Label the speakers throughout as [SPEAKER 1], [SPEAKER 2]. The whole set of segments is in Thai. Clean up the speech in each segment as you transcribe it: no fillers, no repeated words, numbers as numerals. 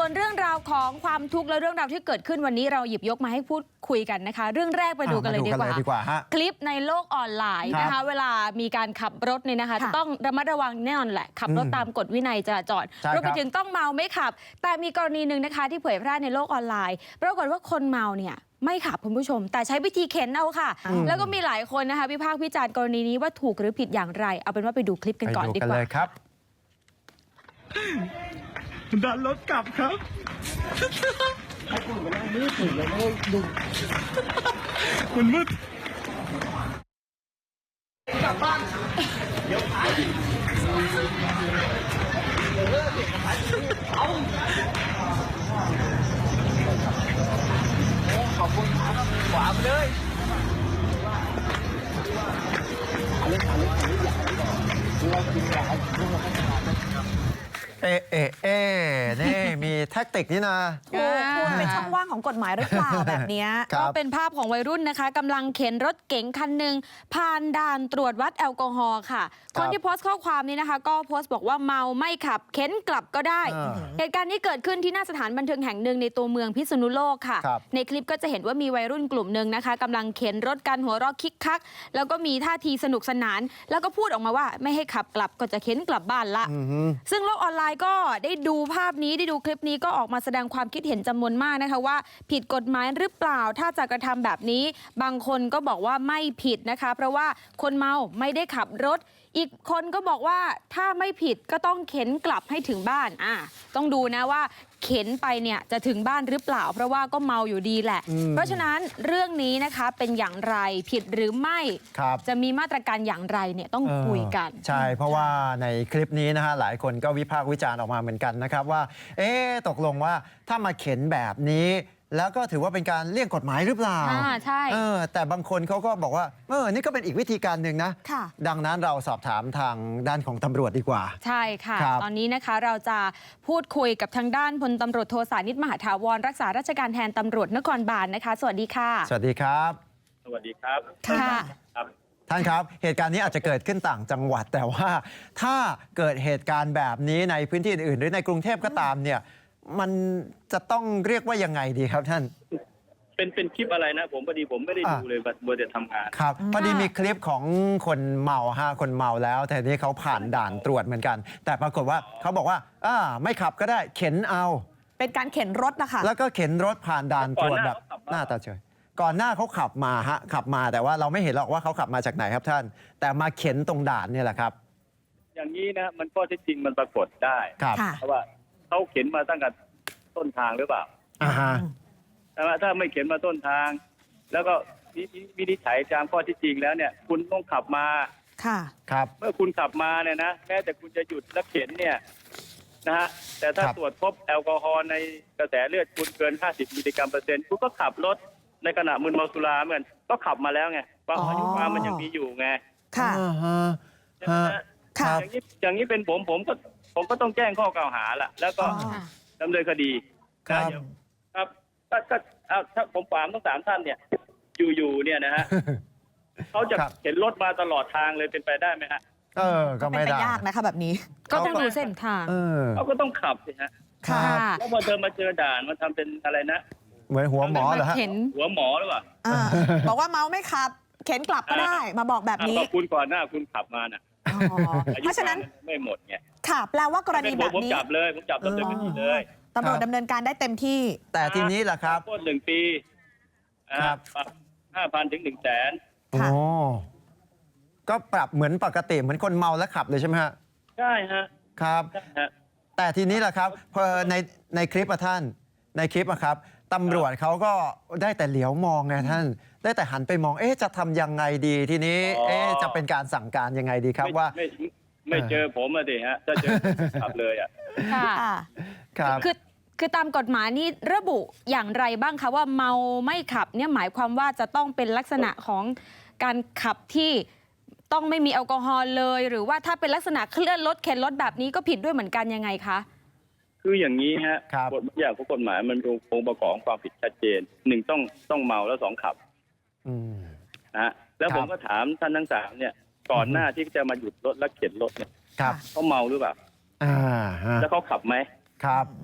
[SPEAKER 1] วนเรื่องราวของความทุกข์และเรื่องราวที่เกิดขึ้นวันนี้เราหยิบยกมาให้พูดคุยกันนะคะเรื่องแรกไปดูกันเลยดีกว่าคลิปในโลกออนไลน์นะคะเวลามีการขับรถเนี่ยนะคะจะต้องระมัดระวังแน่นอนแหละขับรถตามกฎวินัยจราจรรวมไปถึงต้องเมาไม่ขับแต่มีกรณีหนึ่งนะคะที่เผยแพร่ในโลกออนไลน์ปรากฏว่าคนเมาเนี่ยไม่ขับคุณผู้ชมแต่ใช้วิธีเข็นเอาค่ะแล้วก็มีหลายคนนะคะวิพากษ์วิจารณ์กรณีนี้ว่าถูกหรือผิดอย่างไรเอาเป็นว่าไปดูคลิปกันก่อนดีกว่า
[SPEAKER 2] ครับดันรถกลับครับมันมืดกลับบ้านเดี๋ยวเอาขอบคุณครับขวาไปเลยนี่มีแท็กติกนี่นะ
[SPEAKER 3] คุณเป็นช่องว่างของกฎหมายหรือเปล่าแบบนี้
[SPEAKER 1] ก็เป็นภาพของวัยรุ่นนะคะกำลังเข็นรถเก๋งคันหนึ่งผ่านด่านตรวจวัดแอลกอฮอล์ค่ะคนที่โพสต์ข้อความนี้นะคะก็โพสต์บอกว่าเมาไม่ขับเข็นกลับก็ได้เหตุการณ์นี้เกิดขึ้นที่หน้าสถานบันเทิงแห่งหนึ่งในตัวเมืองพิษณุโลกค่ะในคลิปก็จะเห็นว่ามีวัยรุ่นกลุ่มหนึ่งนะคะกำลังเข็นรถกันหัวเราะคิกคักแล้วก็มีท่าทีสนุกสนานแล้วก็พูดออกมาว่าไม่ให้ขับกลับก็จะเข็นกลับบ้านละซึ่งโลกออนไลน์ก็ได้ดูภาพนี้ได้ดูคลิปนี้ก็ออกมาแสดงความคิดเห็นจำนวนมากนะคะว่าผิดกฎหมายหรือเปล่าถ้าจะกระทำแบบนี้บางคนก็บอกว่าไม่ผิดนะคะเพราะว่าคนเมาไม่ได้ขับรถอีกคนก็บอกว่าถ้าไม่ผิดก็ต้องเข็นกลับให้ถึงบ้านต้องดูนะว่าเข็นไปเนี่ยจะถึงบ้านหรือเปล่าเพราะว่าก็เมาอยู่ดีแหละเพราะฉะนั้นเรื่องนี้นะคะเป็นอย่างไรผิดหรือไม่จะมีมาตรการอย่างไรเนี่ยต้องคุยกัน
[SPEAKER 2] ใช่เพราะว่าในคลิปนี้นะฮะหลายคนก็วิพากษ์วิจารณ์ออกมาเหมือนกันนะครับว่าตกลงว่าถ้ามาเข็นแบบนี้แล้วก็ถือว่าเป็นการเลี่ยงกฎหมายหรือเปล่า
[SPEAKER 1] ใช่
[SPEAKER 2] แต่บางคนเขาก็บอกว่านี่ก็เป็นอีกวิธีการหนึ่งนะดังนั้นเราสอบถามทางด้านของตำรวจดีกว่า
[SPEAKER 1] ใช่ค่ะตอนนี้นะคะเราจะพูดคุยกับทางด้านพลตำรวจโทสานิตมหาถาวรรักษาราชการแทนตำรวจนครบาลนะคะสวัสดีค่ะ
[SPEAKER 2] สวัสดีครับ
[SPEAKER 4] สวัสดีครับ
[SPEAKER 1] ค่ะ
[SPEAKER 2] ท่านครับเหตุการณ์นี้อาจจะเกิดขึ้นต่างจังหวัดแต่ว่าถ้าเกิดเหตุการณ์แบบนี้ในพื้นที่อื่นหรือในกรุงเทพก็ตามเนี่ยมันจะต้องเรียกว่ายังไงดีครับท่าน
[SPEAKER 4] เป็นคลิปอะไรนะผมพอดีผมไม่ได้ดูเลยบัวแต่ทำงาน
[SPEAKER 2] ครับพอดีมีคลิปของคนเมาคนเมาแล้วแต่นี้เขาผ่านด่านตรวจเหมือนกันแต่ปรากฏว่าเขาบอกว่าไม่ขับก็ได้เข็นเอา
[SPEAKER 3] เป็นการเข็นรถนะคะ
[SPEAKER 2] แล้วก็เข็นรถผ่านด่านตรวจแบบหน้าตาเฉยก่อนหน้าเขาขับมาแต่ว่าเราไม่เห็นหรอกว่าเขาขับมาจากไหนครับท่านแต่มาเข็นตรงด่านนี่แหละครับ
[SPEAKER 4] อย่างนี้นะมันข้อเท็จจริงมันปรากฏได้เพราะว่าเขาเข็นมาตั้งแต่ต้นทางหรือเปล่าแต่ว่าถ้าไม่เข็นมาต้นทางแล้วก็วินิจฉัยตามข้อที่จริงแล้วเนี่ยคุณต้องขับมา
[SPEAKER 2] ครับ
[SPEAKER 4] เมื่อคุณขับมาเนี่ยนะแม้แต่คุณจะหยุดแล้วเข็นเนี่ยนะฮะแต่ถ้าตรวจพบแอลกอฮอล์ในกระแสเลือดคุณเกิน50มิลลิกรัมเปอร์เซ็นต์คุณก็ขับรถในขณะมึนเมาสุราเหมือนก็ขับมาแล้วไงว่าอายุความมันยังมีอยู่ไง
[SPEAKER 3] ค่ะ
[SPEAKER 4] อย่างนี้เป็นผมก็ต้องแจ้งข้อกล่าวหาละแล้วก็ดำเนินคดีครับถ้าผมถามทั้ง3ท่านเนี่ยอยู่เนี่ยนะฮะเขาจะเข็นรถมาตลอดทางเลยเป็นไปได้ไหมฮะ
[SPEAKER 2] ก็ไม่ได้
[SPEAKER 3] ยากนะคะแบบนี้
[SPEAKER 1] ก็ต้องดูเส้นทาง
[SPEAKER 4] เขาก็ต้องขับสิฮะแล้วพอเธอมาเจอด่านมันทำเป็นอะไรนะ
[SPEAKER 2] เหมือนหัวหมอเหรอฮะ
[SPEAKER 4] หัวหมอหรือเปล่า
[SPEAKER 3] บอกว่าเมาไม่ขับเข็นกลับก็ได้มาบอกแบบนี้
[SPEAKER 4] คุณก่อนหน้าคุณขับมาน่ะ
[SPEAKER 3] เพราะฉะนั้น
[SPEAKER 4] ไม่หมดไง
[SPEAKER 3] ค่ะแปลว่ากรณีแบบนี้
[SPEAKER 4] ผมจับดำเนินคดีเลย
[SPEAKER 3] ตำรวจดำเนินการได้เต็มที่
[SPEAKER 2] แต่ทีนี้ล่ะครับ
[SPEAKER 4] โทษ1 ปี5,000 ถึง 100,000
[SPEAKER 2] ก็ปรับเหมือนปกติเหมือนคนเมาแล้วขับเลยใช่ไหมฮะ
[SPEAKER 4] ใช่ฮะ
[SPEAKER 2] ครับแต่ทีนี้ล่ะครับพอในคลิปท่านในคลิปครับตำรวจเขาก็ได้แต่เหลียวมองไงท่านได้แต่หันไปมองจะทำยังไงดีทีนี้จะเป็นการสั่งการยังไงดีครับว่า
[SPEAKER 4] ไม่เจอผมอะดิฮะถ้าเจอขับเลยอ่ะ
[SPEAKER 2] ครับ
[SPEAKER 1] คือตามกฎหมายนี่ระบุอย่างไรบ้างคะว่าเมาไม่ขับเนี่ยหมายความว่าจะต้องเป็นลักษณะของการขับที่ต้องไม่มีแอลกอฮอล์เลยหรือว่าถ้าเป็นลักษณะเคลื่อนรถเข็นรถแบบนี้ก็ผิดด้วยเหมือนกันยังไงคะ
[SPEAKER 4] คืออย่างนี้ฮะกฎอย่างของกฎหมายมันองค์ประกอบความผิดชัดเจน1ต้องเมาแล้ว2ขับนะแล้วผมก็ถามท่านทั้ง3เนี่ยก่อนหน้าที่จะมาหยุดรถและเข็นรถเนี่ยเขาเมาหรือเปล่าแล้วเขาขับไหม
[SPEAKER 2] ครับ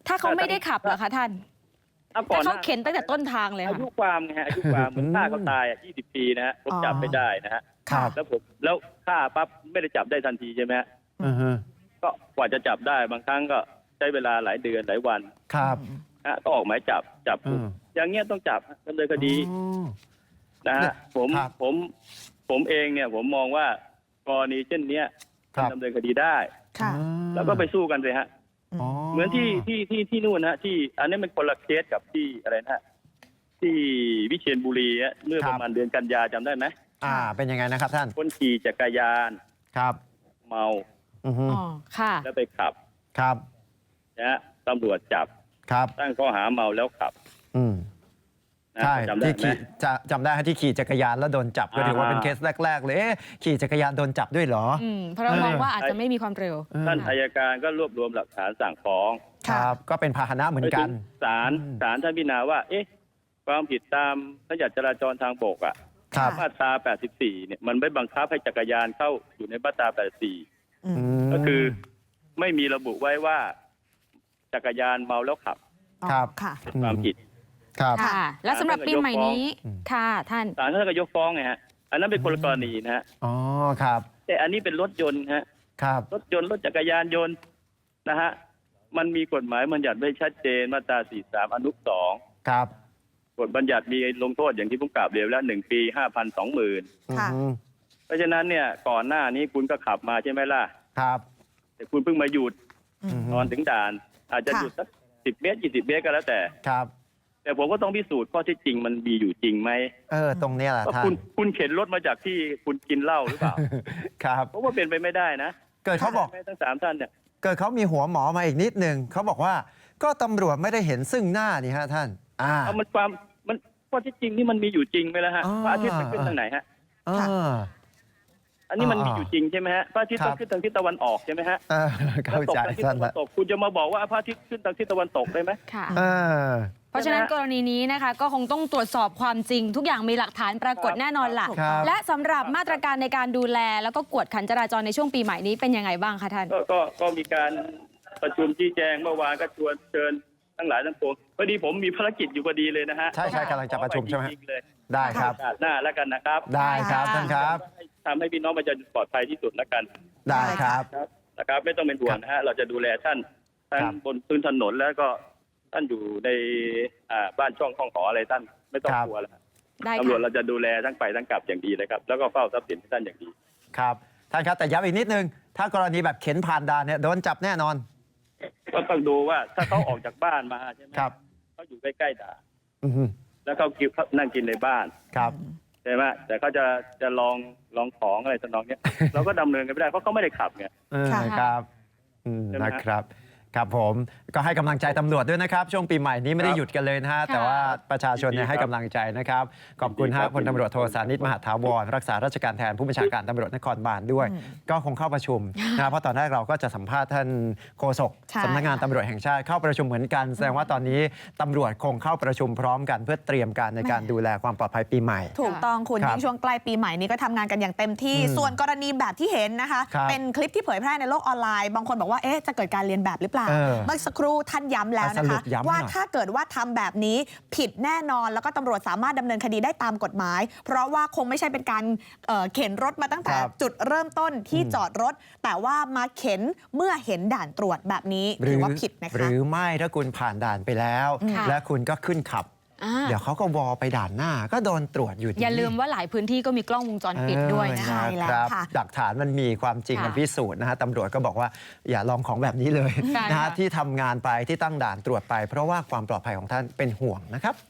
[SPEAKER 1] ถ้าเขาไม่ได้ขับเหรอคะท่าน
[SPEAKER 4] ก่อน
[SPEAKER 1] ถ้าเขาเข็นตั้งแต่ต้นทางเลย
[SPEAKER 4] อา
[SPEAKER 1] ค่ะ
[SPEAKER 4] ยุความไงฮะอายุความเหมือนฆ่าเขาตาย20 ปีนะฮะผมจับไม่ได้นะฮะ
[SPEAKER 2] ครับ
[SPEAKER 4] แล้วฆ่าปั๊บไม่ได้จับได้ทันทีใช่ไหมฮะ
[SPEAKER 2] อือฮึ
[SPEAKER 4] ก็กว่าจะจับได้บางครั้งก็ใช้เวลาหลายเดือนหลายวัน
[SPEAKER 2] ครับ
[SPEAKER 4] นะก็ออกหมายจับกุมอย่างเงี้ยต้องจับดำเนินคดี
[SPEAKER 2] อ๋อ
[SPEAKER 4] นะฮะผม
[SPEAKER 2] ครับ
[SPEAKER 4] ผมเองเนี่ยผมมองว่ากรณีเช่นเนี้ย
[SPEAKER 2] ครับ
[SPEAKER 4] ดำเนินคดีได้
[SPEAKER 3] ค่ะ
[SPEAKER 4] แล้วก็ไปสู้กันเลยฮะ
[SPEAKER 2] อ๋อ
[SPEAKER 4] เหมือนที่นู่นฮะที่อันนี้มันคนละเคสกับที่อะไรนะฮะที่วิเชียรบุรีฮะเมื่อประมาณเดือนกันยาจำได้ไหม
[SPEAKER 2] เป็นยังไงนะครับท่าน
[SPEAKER 4] คนขี่จักรยาน
[SPEAKER 2] ครับ
[SPEAKER 4] เมา
[SPEAKER 2] อือฮึ
[SPEAKER 1] อ๋อ ค่ะ
[SPEAKER 4] แล้วไปขับ
[SPEAKER 2] ครับ
[SPEAKER 4] นะฮะตำรวจจับ
[SPEAKER 2] ครับ
[SPEAKER 4] ตั้งข้อหาเมาแล้วขับ
[SPEAKER 2] อืม
[SPEAKER 4] นะ
[SPEAKER 2] ใช่
[SPEAKER 4] จำได้
[SPEAKER 2] ที่
[SPEAKER 4] ไหม
[SPEAKER 2] ขี่จำได้ที่ขี่จักรยานแล้วโดนจับก็ถือว่าเป็นเคสแรก ๆ เลยขี่จักรยานโดนจับด้วยเหรอ
[SPEAKER 1] เพราะเรามองว่าอาจจะไม่มีความเร็ว
[SPEAKER 4] ท่านอัยการก็รวบรวมหลักฐานสั่งฟ้อง
[SPEAKER 2] ครับ ก็เป็นพาหนะเหมือนกัน
[SPEAKER 4] ไปถึงศาลท่านพิจารณาว่า ความผิดตามพระราชบัญญัติจราจรทางบกอ่ะ
[SPEAKER 2] ครับ
[SPEAKER 4] มาตรา 84 เนี่ยมันไม่บังคับให้จักรยานเข้าอยู่ในมาตรา 84 ก็คือไม่มีระบุไว้ว่าจักรยานเมาแล้วขับ
[SPEAKER 2] ครับ
[SPEAKER 3] ค่ะ
[SPEAKER 4] เป็นความผิด
[SPEAKER 2] ครับ
[SPEAKER 1] ค่ะ และสำหรับปีใหม่นี้ ค่ะ ท่าน
[SPEAKER 4] ศาลท่านก็ยกฟ้องไงฮะ อันนั้นเป็นคนละกรณีนะฮะ
[SPEAKER 2] อ๋อ ครับ
[SPEAKER 4] แต่อันนี้เป็นรถยนต์ฮะ
[SPEAKER 2] ครับ
[SPEAKER 4] รถยนต์รถจักรยานยนต์นะฮะ มันมีกฎหมายบัญญัติไว้ชัดเจนมาตรา 43 อนุ 2
[SPEAKER 2] ครับ
[SPEAKER 4] กฎบัญญัติมีลงโทษอย่างที่ผมกล่าวเรียนแล้ว1 ปี 5,000 20,000
[SPEAKER 3] ค่ะ
[SPEAKER 2] อืม
[SPEAKER 4] เพราะฉะนั้นเนี่ยก่อนหน้านี้คุณก็ขับมาใช่ไหมล่ะ
[SPEAKER 2] ครับ
[SPEAKER 4] แต่คุณเพิ่งมาหยุด
[SPEAKER 2] อืม
[SPEAKER 4] ตอนถึงด่าน อาจจะ
[SPEAKER 3] ค่ะ
[SPEAKER 4] หยุดสัก10 เมตร 20 เมตรก็แล้วแต่
[SPEAKER 2] ครับ
[SPEAKER 4] แต่ผมก็ต้องพิสูจน์ข้อเที่จริงมันมีอยู่จริงไหม
[SPEAKER 2] ตรงเนี้ยแหละ
[SPEAKER 4] ว่า
[SPEAKER 2] ท่าน
[SPEAKER 4] คุณเข็นรถมาจากที่คุณกินเหล้าหรือเปล่า
[SPEAKER 2] ครับ
[SPEAKER 4] เพราะว่าเป็นไปไม่ได้นะ
[SPEAKER 2] เกิดเขาบอก
[SPEAKER 4] ไม่ทั้ง3ท่านเนี่ย
[SPEAKER 2] เกิดเขามีหัวหมอมาอีกนิดนึงเขาบอกว่าก็ตำรวจไม่ได้เห็นซึ่งหน้านี่ฮะท่าน
[SPEAKER 4] เอามันข้อเที่จริงนี่มันมีอยู่จริงไหมล่ะฮะ
[SPEAKER 2] อ๋อ
[SPEAKER 4] พระอาทิตย์มันขึ้นทางไหนฮะ
[SPEAKER 2] เออ
[SPEAKER 4] อันนี้มันมีอยู่จริงใช่ไหมฮะพระอาทิตย์
[SPEAKER 2] ครั
[SPEAKER 4] ต้อบ งขึ้นทางทิศตะวันออกใช่ไหมฮะ
[SPEAKER 2] เข้า
[SPEAKER 4] ตก
[SPEAKER 2] ใจ
[SPEAKER 4] ทางทิศ
[SPEAKER 2] ท่าน
[SPEAKER 4] ตะวัน
[SPEAKER 2] ละ
[SPEAKER 4] ตกคุณจะมาบอกว่าพระอาทิตย์ขึ้นทางทิศตะวันตกได้ไหม
[SPEAKER 1] ค่ะ
[SPEAKER 2] เออ
[SPEAKER 1] เพราะฉะนั้นกรณีนี้นะคะ ก็คงต้องตรวจสอบความจริง ทุกอย่างมีหลักฐานปรากฏแน่นอนล่ะ
[SPEAKER 2] ครับ
[SPEAKER 1] และสำหรับมาตรการในการดูแล แล้วก็กวดขันจราจรในช่วงปีใหม่นี้เป็นยังไงบ้างคะท่าน
[SPEAKER 4] ก็มีการประชุมชี้แจงเมื่อวานก็ชวนเชิญทั้งหลายทั้งปวงพอดีผมมีภารกิจอยู่พอดีเลยนะฮะ
[SPEAKER 2] ใช่กำลังจะประชุมใช่ไหม
[SPEAKER 4] ขอปจริงๆเลย
[SPEAKER 2] ได้ครับ
[SPEAKER 4] โอกาสหน้าแล้วกันนะครับ
[SPEAKER 2] ได้ครับ
[SPEAKER 3] ค่ะ
[SPEAKER 2] ท่านครับ
[SPEAKER 4] ทำให้พี่น้องประชาชนปลอดภัยที่สุดแล้วกัน
[SPEAKER 2] ได้ครับ
[SPEAKER 4] นะครับ ไม่ต้องเป็นห่วงนะฮะเราจะดูแลท่านทั้ง
[SPEAKER 2] ครับ
[SPEAKER 4] บนพื้นถนนแล้วก็ท่านอยู่ในบ้านช่องห้องหออะไรท่านไม่ต้อง
[SPEAKER 2] ครับ
[SPEAKER 4] กลัวแล้ว
[SPEAKER 1] ได้
[SPEAKER 4] ตำรวจ
[SPEAKER 1] ค่ะ
[SPEAKER 4] เราจะดูแลทั้งไปทั้งกลับอย่างดีเลยครับแล้วก็เฝ้าทรัพย์สินให้ท่านอย่างดี
[SPEAKER 2] ครับท่านครับแต่ย้ำอีกนิดนึง ถ้ากรณีแบบเข็นผ่านด่านเนี่ยโดนจับแน่นอน
[SPEAKER 4] ก็ต้องดูว่าถ้าเขาออกจากบ้านมาใช่ไหม
[SPEAKER 2] ครับ
[SPEAKER 4] เขาอยู่ใกล้ๆด่าน
[SPEAKER 2] อือฮึ
[SPEAKER 4] แล้วเขานั่งกินในบ้าน
[SPEAKER 2] ครับ
[SPEAKER 4] ใช่ไหมแต่เขาจะลองของอะไรทำนองเนี้ย เราก็ดำเนินกันไม่ได้เพราะเขาไม่ได้ขับไง
[SPEAKER 3] ค่ะ
[SPEAKER 2] ครับ
[SPEAKER 4] ใช่ไหมฮะ
[SPEAKER 2] นะครับ ครับผมก็ให้กำลังใจตำรวจด้วยนะครับ ช่วงปีใหม่นี้ไม่ได้หยุดกันเลยนะฮะ แต่ว่าประชาชนเนี่ยให้กำลังใจนะครับ ขอบคุณฮะพลตำรวจโทสานิตมหาถาวรรักษาราชการแทนผู้บัญชาการตำรวจนครบาลด้วย ก็คงเข้าประชุมนะเพราะตอนแรกเราก็จะสัมภาษณ์ท่านโฆษก
[SPEAKER 3] ใช่
[SPEAKER 2] สำนักงานตำรวจแห่งชาติเข้าประชุมเหมือนกัน แสดงว่าตอนนี้ตำรวจคงเข้าประชุมพร้อมกันเพื่อเตรียมการในการดูแลความปลอดภัยปีใหม่
[SPEAKER 3] ถูกต้องคุณ
[SPEAKER 2] ครับ
[SPEAKER 3] ยิ่งช่วงใกล้ปีใหม่นี้ก็ทำงานกันอย่างเต็มที่ ส่วนกรณีแบบที่เห็นนะคะ
[SPEAKER 2] ครับ
[SPEAKER 3] เป็นคลิปที่เผยแพร่ในโลกออนไลน์ บางคนบอกว่าจะเกิดการเรียนแบบหรือเปล่า เมื่อสักครู่ท่านย้ำแล้วนะ
[SPEAKER 2] สรุ
[SPEAKER 3] คะ
[SPEAKER 2] ปย้ำหน่อย
[SPEAKER 3] ว่าถ้าเกิดว่าทำแบบนี้ผิดแน่นอน แล้วก็ตำรวจสามารถดำเนินคดีได้ตามกฎหมาย เพราะว่าคงไม่ใช่เป็นการเข็นรถมาตั้งแต่
[SPEAKER 2] ครับ
[SPEAKER 3] จุดเริ่มต้นที่จอดรถ แต่ว่ามาเข็นเมื่อเห็นด่านตรวจแบบนี้ถือว่าผิดนะ
[SPEAKER 2] ห
[SPEAKER 3] คะ
[SPEAKER 2] รือไม่ถ้าคุณผ่านด่านไปแล้ว
[SPEAKER 1] ค่ะ
[SPEAKER 2] และคุณก็ขึ้นขับ
[SPEAKER 1] อ่า
[SPEAKER 2] เดี๋ยวเขาก็วอไปด่านหน้าก็โดนตรวจอยู่ดี
[SPEAKER 1] อย่าลืมว่าหลายพื้นที่ก็มีกล้องวงจรปิดด้วยนะ
[SPEAKER 3] ใช่
[SPEAKER 1] คะ
[SPEAKER 3] แล้ว
[SPEAKER 2] ครับ
[SPEAKER 3] ค่ะ
[SPEAKER 2] หลักฐานมันมีความจริง
[SPEAKER 1] ค่ะ
[SPEAKER 2] มันพิสูจน์นะฮะตำรวจก็บอกว่าอย่าลองของแบบนี้เลย
[SPEAKER 1] ใช่
[SPEAKER 2] นะฮะ
[SPEAKER 1] ค่ะ
[SPEAKER 2] ที่ทำงานไปที่ตั้งด่านตรวจไป เพราะว่าความปลอดภัยของท่านเป็นห่วงนะครับ